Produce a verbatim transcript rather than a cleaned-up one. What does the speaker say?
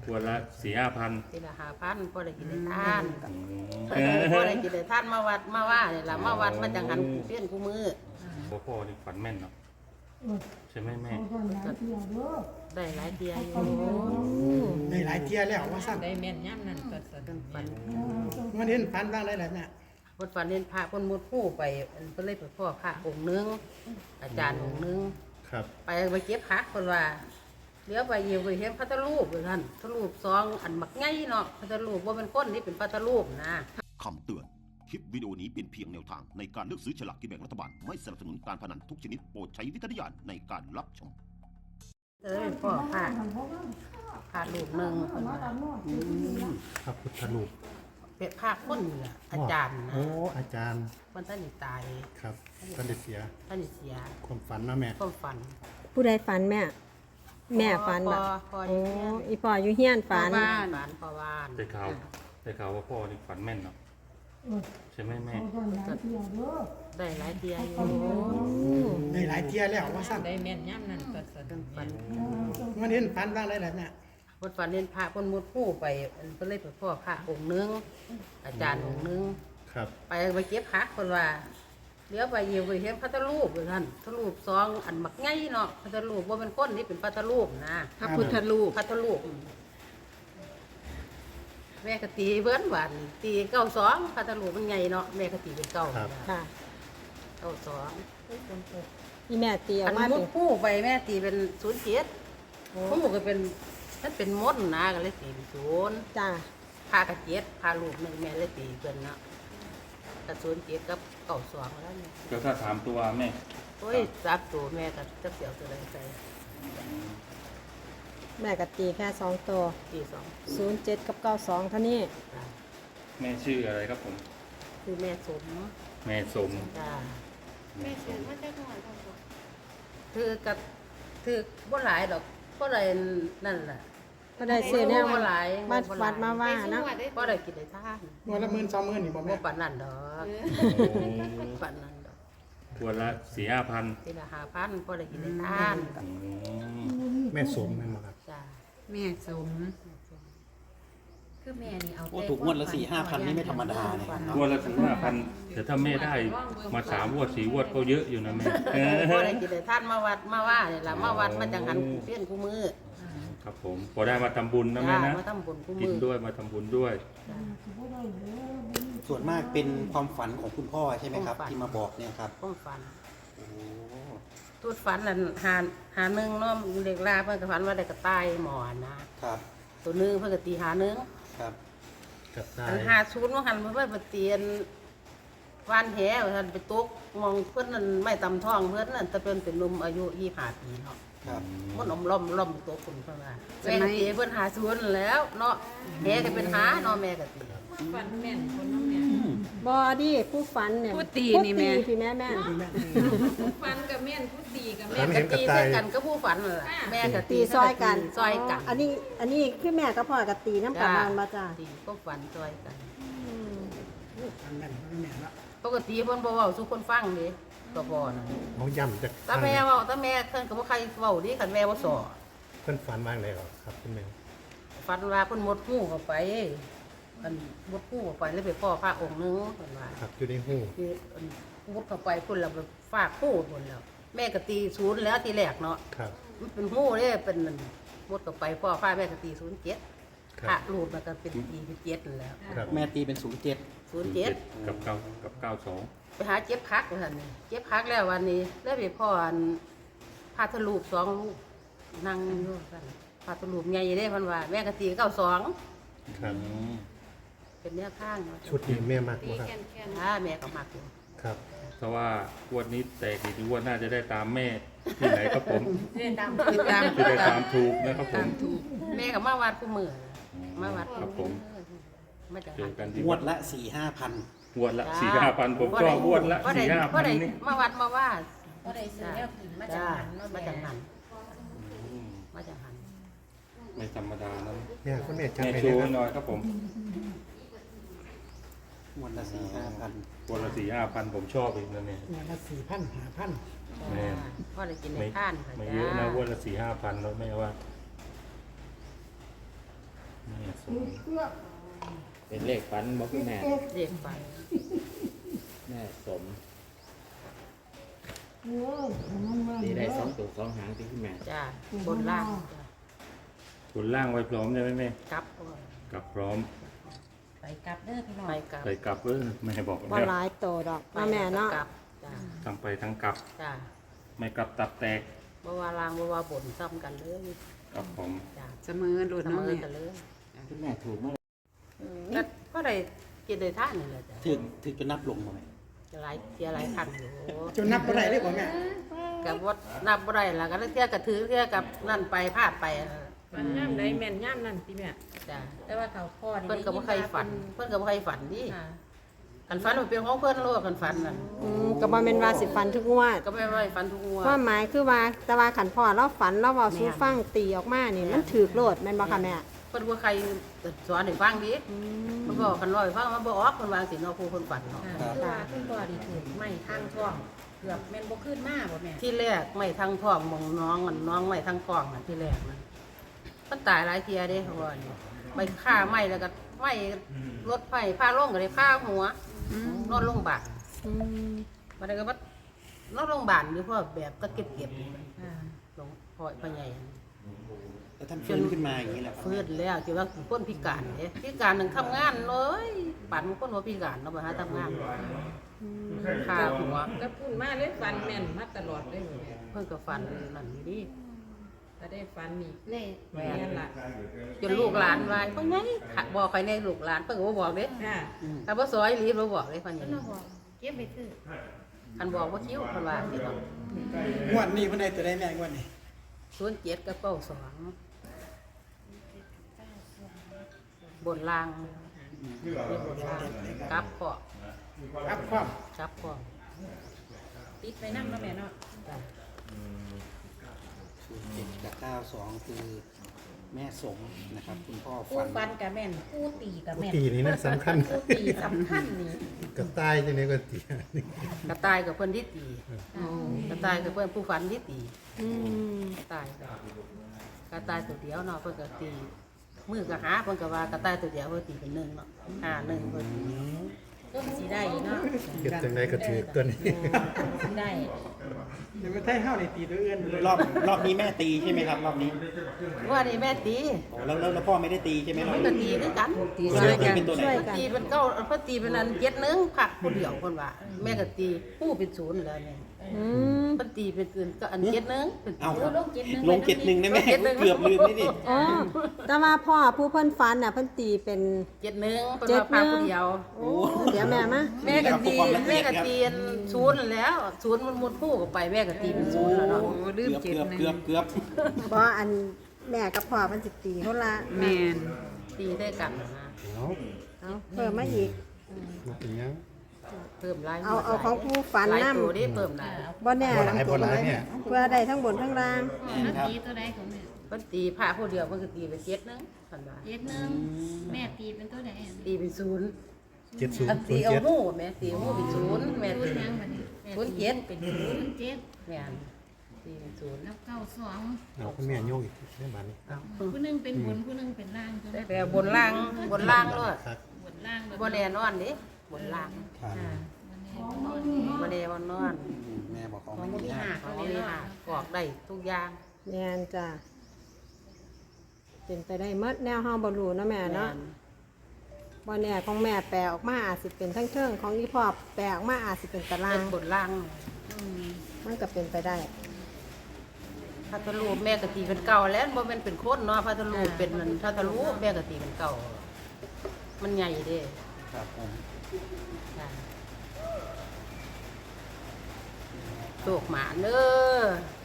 ขวดละสี่ห้าพันทีละห้าพันพอได้กินได้ทานพอได้กินได้ทานมาวัดมาว่าเนี่ยละมาวัดมาจังหันเพี้ยนกูมือพ่อพ่อนี่ฝันแม่นเนาะใช่ไหมแม่ได้หลายเดียอยู่ได้หลายเที่ยแล้วว่าสั่นได้แม่นย่ำนั่นก็สะดุ้งฝันมันเห็นฝันบ้างได้แหละเนี่ยพดฝันเห็นพระคนมุดคู่ไปเพิ่นเลยไปพ่อพระองค์นึงอาจารย์องค์นึงครับไปไปเก็บผักคนว่าเลี้ยวไปเยี่ยวไปเห็นพระทรูปเลยท่านพระรูปซองอันมักไงเนาะพระทรูปว่าเป็นคนนี่เป็นพระทรูปนะคำเตือน คลิปวิดีโอนี้เป็นเพียงแนวทางในการเลือกซื้อฉลากกินแบ่งรัฐบาล ไม่สนับสนุนการพนันทุกชนิดโปรดใช้วิจารณญาณในการรับชมเออพ่อพระพระรูปหนึ่งคนว่าพระพุทธรูปเป็นพระคนนี่แหละอาจารย์นะโอ้อาจารย์มันท่านนี่ตายครับท่านได้เสียท่านนี่เสียความฝันนะแม่ก็ฝันผู้ใดฝันแม่ แม่ฝันพ่บ่อพ่อโอ้อยู่เนี่ยอีพ่ออยู่เฮียนฝันบ้านบ้านพ่อบ้านได้ข่าวได้ข่าวว่าพ่อนี่ฝันแม่นเนาะใช่ไหมแม่ได้หลายเดียอยู่ได้หลายเที่ยแล้วว่าสั่นได้แม่นย่ำนั่นก็สะดุ้งฝันมันเห็นฝันบ้างได้แหละเนี่ยพดฝันเห็นพระคนมุดคู่ไปเพิ่นเลยไปพ่อพระองค์นึงอาจารย์องค์นึงครับไปไปเก็บผักคนว่าเลี้ยวไปเยี่ยวไปเห็นพระทรูปเลยท่านพระรูปซองอันมักไงเนาะพระทรูปว่าเป็นคนนี่เป็นพระทรูปนะพระพุทธรูปพระทรูปแม่กตีเบิ้นหวานตีเก้าสองพระทรูปมันไงเนาะแม่กตีเป็นเก้าค่ะเก้าสองอีแม่ตีอออักนมามุเป็ดนคู่ไปแม่ตีเป็นศูนย์เจ็ดคู่ก็เป็นมันเป็นมดนะก็เลยตีเป็นศูนย์จ้าพากระเจ็ดพาลูกหนึ่งแม่เลยตีเกินเนาะกระศูนย์เจ็ดกับเก้าสองแล้วเนี่ยก็ถ้าถามตัวแม่โอ้ยจับตัวแม่กับจับเสี่ยวตัวใดใส่แม่ก็ตีแค่สองตัวตีสองศูนย์เจ็ดกับเก้าสองเท่านี้จ้ะแม่ชื่ออะไรครับผมคือแม่สมแม่สมจ้าแม่สมคือกับคือบ่หลายดอกบ่ได้นั่นแหละก็ได้ซื้อแนวบ่หลายมาวัดมาว่านะบ่ได้กินได้ทานวันละหมื่นสองหมื่นนี่บ่บ่แม่ปานนั้นดอกปานนั้นดอกขวดละสี่ห้าพันทีละห้าพันบ่ได้กินได้ทานแม่สมแม่นบ่ครับจ้าแม่สมคือแม่นี่เอาโอ้ถูกงวดละสี่ห้าพันนี่ไม่ธรรมดาเนี่ยขวดละสี่ห้าพันแต่ถ้าแม่ได้มาสามวดสี่วดก็เยอะอยู่นะแม่เออบ่ได้กินได้ทานมาวัดมาว่านี่ล่ะมาวัดมาจังหันเพี้ยนกูมือครับผมพอได้มาทำบุญนะแม่จ้านะมาทำบุญกูกิมืนอด้วยมาทำบุญด้วยส่วนมากเป็นความฝันของคุณพ่อใช่ไหมครับ ที่มาบอกเนี่ยครับความฝันโอ้ตูดฝันนั่นหาหาหนึงเนาะเด็กลาเพิ่นก็ฝันว่าได้กระต่ายหมอนนะครับ ตัวหนึงเพิ่นก็ตีหาหนึงครับกับได้อันหาศูนย์ว่าหันเพิ่นไปเตียนวานแหว่าท่านไปตกมองเพิ่นนั่นไม่ตำท้องเพิ่นนั่นแต่เพิ่นเป็นหนุ่มอายุยี่สิบห้าปีเนาะครับมันอมล้อมล้อมตัวคุณเพิ่นว่าแม่ก็ตีเพิ่นหาศูนย์แล้วเนาะแหก็เป็นหาเนาะแม่ก็ตีฝันแม่นคนน้องแม่บอดีผู้ฝันเนี่ยผู้ตีนี่แม่ผู้ตีพี่แม่แม่นฝันกับแม่นผู้ตีกับฝัแม่นก็เห็นกับตีตาใส่ยกันก็ผู้ฝันนั่นล่ะแม่ก็ตีซอยกันซอยกันอันนี้ อันนี้คือแม่กับพ่อกับตีน้ำกันนอนมาจ้าตีก็ฝันซอยกันฝันแม่นฝันแม่นละปกติเพิ่นบ่เว้าสู่คนฟังเด้ก็บ่น่ะเขาย่ำจากตาแม่เว้าตาแม่เพิ่นก็บ่ใครเว้าดิคันแม่บ่สอเพิ่นฝันว่างเลยเหรอครับคุณแม่ฝันว่าเพิ่นหมดหูเข้าไปอันหมดหูเข้าไปแล้วไปพ่อพระองค์หนึงเพิ่นว่าครับอยู่ในหูคืออันมุดเข้าไปพุ่นแล้วไปฟาดหูพุ่นแล้ว แม่ก็ตีศูนย์แล้วทีแรกเนาะครับมันเป็นหูเด้เป็นนั่นมุดเข้าไปพ่อพระแม่ก็ตีศูนย์เจ็ดคพระรับรูปมันก็เป็นตีเป็นเจ็ดนั่นแหล้วครับแม่ตีเป็นศูนย์เจ็ดศูนย์เจ็ดกับเก้ากับเก้าสองไปหาเจ็บคักว่าซั่นนี่เจ็บคักแล้ววันนี้แล้วไปพ่ออันพระทรูปสองลูกนั่งอยู่ซั่นพระทรูปใหญ่เด้เพิ่นว่าแม่ก็ตีเก้าสองครับเป็นเนื้อข้างเนาะชุดนี้แม่มากบ่ครับถ้าแม่ก็มักอยู่ครับเพราะว่างวดนี้แตกอีกงวดน่าจะได้ตามแม่ที่ไหนครับผมตามติดตามจะได้ตามถูกนะครับผมแม่ก็มาวัดกูมือมาวัดครับผมมาจากเจอกันที่งวดละสี่ห้าพันงวดละสี่ห้าพันผมก็งวดละสี่ห้าพันนี่มาวัดมาว่าก็ได้ซื้อแล้วกินมาจากจ้าหันเนาะมาแม่จากหันอืมมาจากหันไม่ธรรมดานะแม่คุณแม่จำแม่ได้ชูไหมหคน่รับอยครับผมงวดละสี่ห้าพันงวดละสี่ห้าพันผมชอบอีกนะเนี่ยวันละสี่พันห้าพันแม่พ่อได้กินในไม่ท่านค่ะไม่จ้าเยอะนะงวดละสี่ห้าพันแล้วแม่ว่าพเป็นเลขฝันบอกคุณแม่เด็กฝันแม่สมตีได้สองตัวสองหางที่คุณแม่จ้าบนล่างจ้าบนล่างไว้พร้อมใช่ไหมแม่กลับกลับพร้อมไปกลับเด้อพี่น้องไปกลับใส่กลับเออแม่บอกบ่แล้วหลายโตดอกเนาะแม่เนาะกลับจ้าทั้งไปทั้งกลับจ้าไม่กลับตับแตกบ่ว่าลางบ่ว่าบนซ้ำกันเลยกับผมจ้าเสมอโดนเสมเนาะอแม่กันเลยคุณแม่ถูกเมื่อไหร่ก็ก็ได้กินได้ท่านนี่แหละจ้ะถึงถึงจะนับลงมาไหมหลายเที่ยหลายพันอยู่จนนับบ่ได้เลยบ่แม่กับว่านับบ่ได้ล่ะก็เที่ยกับถือเที่ยกับนั่นไปพลาดไปมันย่ำใดแม่นย่ำนั่นพี่แม่จ้ะแต่ว่าเขาพ่อนี่เพิ่นก็บ่เคยฝัน เพิ่นก็บ่เคยฝันดิค่ะคันฝันมันเป็นของเพิ่นโลกคันฝันนั่นอืมก็บ่แม่นว่าสิฟันทุกงวดก็ไม่ว่าฝันทุกงวดความหมายคือว่าแต่ว่าขันพ่อเราฝันเราเว้าสู่ฟังตีออกมานี่มันถูกโลดแม่นบ่คะแม่เพิ่นบ่ใครสอนให้ฟังดิเพิ่นบอกคันว่าให้ฟังมันบ่ออกเพิ่นวางสิเนาะผู้เพิ่นฝันเนาะค่ะคือว่าคุณพ่อดีถูกไม่ทางช่องเกือบแม่นบ่ขึ้นมาบ่แม่ที่แรกไม่ทั้งท้องมองน้องอันน้องไม่ทั้งกล้องนั่นที่แรกนั่นมันตายหลายเที่ยเด้เขาว่านี่ไปฆ่าไหม้แล้วก็ไหม้รถไฟพาลงก็ได้พาหัวนอนโรงพยาบาลอืมมาได้ก็ว่านอนโรงพยาบาลอยู่เพราะแบบก็เก็บเก็บๆอยู่ค่ะหลวงพ่อพ่อใหญ่แล้วท่านฟื้นขึ้นมาอย่างนี้แหละครับฟื้นแล้วที่ว่าคนพิการเด้พิการหนึ่งทำงานเลยปั่นคนหัวพิการเนาะไปหาทำงานขาหัวก็พูดมาเลยฟันแม่นมาตลอดเลยแม่เพิ่นก็ฟันนั่นอยู่ดิถ้าได้ฟันนี่แม่แม่นล่ะจนลูกหลานว่าพ่อใหญ่บอกใครในลูกหลานเพิ่นก็บ่บอกเด้ค่ะถ้าบ่ซอยรีบบ่บอกเด้พ่อใหญ่เพิ่นบอกเก็บไปซื้อคันบอกว่าคิ้วเพิ่นว่าสิเนาะงวดนี้เพิ่นได้ตัวใดแม่งวดนี้ศูนย์เจ็ดกับเก้าสองบนล่างนี่บนล่างกลับพ่อครับความกลับพ่อติดไปนั่งแล้วแม่เนาะจ้ะศูนย์เจ็ดกับเก้าสองคือแม่สมนะครับ คุณพ่อผู้ฝันฟันกับแม่นผู้ตีกับแม่นตีนี่นะสำคัญผู้ตีสำคัญนี่กระต่ายจังได๋ก็ตีกระต่ายกับเพื่อนที่ตีกระต่ายกับเพื่อนผู้ฝันที่ตีอืมกระต่ายกับกระต่ายตัวเดียวเนาะเพื่อนก็ตีมือก็หาเพื่อนก็ว่ากระต่ายตัวเดียวเพื่อนตีเป็นหนึ่งเนาะห้าหนึ่งเพื่อนตีก็สิได้เนาะเฮ็ดจังได๋ก็ถือตัวนี้สิได้เดี๋ยวไปไทยเฮานี่ตีตัวอื่นเลยรอบรอบนี้แม่ตีใช่ไหมครับ รอบนี้ว่านี่แม่ตีโอ้แล้วแล้วแล้วพ่อไม่ได้ตีใช่ไหมรอบมันก็นี้ตีด้วยกันตีช่วยกันเป็นตัวไหนช่วยเพิ่นกันตีเป็นเก้าเพิ่นตีเป็นอันเจ็ดหนึ่งผักคนเดียวคนว่าแม่ก็ตีผู้เป็นศูนย์แล้วเนี่ยอืมเพิ่นตีเป็นอื่นก็อันเจ็ดหนึ่งเป็นเอาศูนย์ลงเจ็ดหนึ่งลงเจ็ดหนึ่งได้ไหมลงเจ็ดหนึ่งเกือบลืมนี่ดิอ๋อแต่ว่าพ่อผู้เพิ่นฝันน่ะเพิ่นตีเป็นเจ็ดหนึ่งเพิ่นเจ็ดว่าหนึ่งพาผู้เดียวโอ้เดี๋ยวแม่มาแม่ก็ตีแม่ก็ตีอันศูนย์นั่นแหล้วศูนย์มันมุดผู้ก็ไปแม่ก็ตีเป็นศูนย์แล้วเนาะโอ้ลืเกืมอบเจ็ดเกือบหนึ่งเกือบเกือบบ่อันแม่กับพ่อมันสิตีเขาละแม่นตีได้กันนะเอาเอาเพิ่มมาอีกบ่เป็นหยังเพิ่มหลายเอาเอาของผู้ฝันหลายนำตัวได้เพิ่มได้บ่แน่บ่หลายบ่หลายเนี่ยเพื่อได้ทั้งบนทั้งล่างครับตีตัวใดของแม่เพิ่นตีพาผู้เดียวเพิ่นก็ตีเป็นเจ็ดหนึงเพิ่นว่าเจ็ดหนึ่งแม่ตีเป็นตัวใดอะตีเป็นศูนย์เจ็ดศูนอันย์ตีเอาเจ็ดหู้แม่ตีเอาหู้เป็นศูนย์แม่ศูตีนย์ยังบัดนี้แม่ศูนย์เจ็ดเป็นศูนย์ศูนย์เจ็ดแม่นตีเป็นศูนย์แล้วเก้าสองเอาคุณแม่โยกอีกได้บาดนี้เอาผู้หนึงเป็นบนผู้หนึงเป็นล่างใช่ไหมแต่บนล่างบนล่างเลยครับบนล่างบ่แน่นอนเด้บนล่างครับอ่าวันนี้บ่แน่บ่นอนแม่บอกของของไม่มีได้หักของมีหักกอกได้ทุกอย่างแม่นจ้ะเป็นไปได้หมดแนวเฮาบ่รู้เนาะแม่เนาะบ่แน่ของแม่แปลออกมาอาจสิเป็นทั้งเทิงของอีพ่อแปลออกมาอาจสิเป็นตารางเป็นบนล่างมันก็เป็นไปได้พัทลูปแม่ก็ตีเป็นเก่าแล้วบ่แม่นเป็นคนเนาะพัทลูปเป็นนั่นพัทลูปแม่ก็ตีเป็นเก่ามันใหญ่เด้ครับผมจ้ะโตกหมาเด้อ